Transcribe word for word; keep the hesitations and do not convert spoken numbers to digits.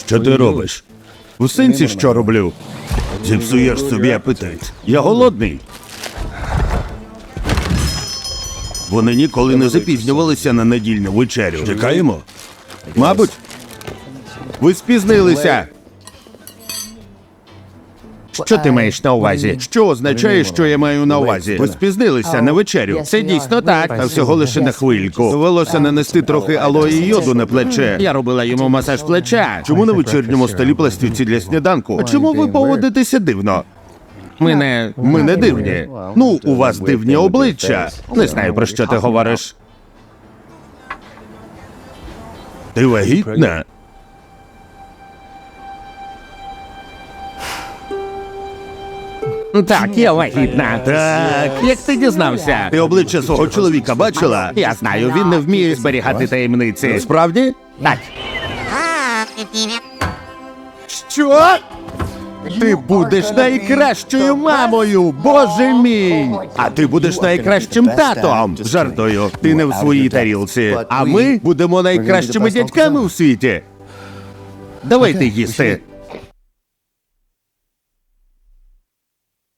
Що ти робиш? У сенсі що роблю? Зіпсуєш собі апетит. Я голодний. Вони ніколи не запізнювалися на недільну вечерю. Чекаємо? Мабуть. Ви спізнилися. Що ти маєш на увазі? Що означає, що я маю на увазі? Ви спізнилися на вечерю. Це дійсно так, та всього лише на хвильку. Довелося нанести трохи алої йоду на плече. Я робила йому масаж плеча. Чому на вечірньому столі пластівці для сніданку? А чому ви поводитеся дивно? Ми не... Ми не дивні. Ну, у вас дивні обличчя. Не знаю, про що ти говориш. Ти вагітна? Так, я вагітна. Так. Як ти дізнався? Ти обличчя свого чоловіка бачила? Я знаю, він не вміє зберігати таємниці. Справді? Так. Що? Ти будеш найкращою мамою, боже мій! А ти будеш найкращим татом. Жартую, ти не в своїй тарілці. А ми будемо найкращими дядьками у світі. Давайте їсти.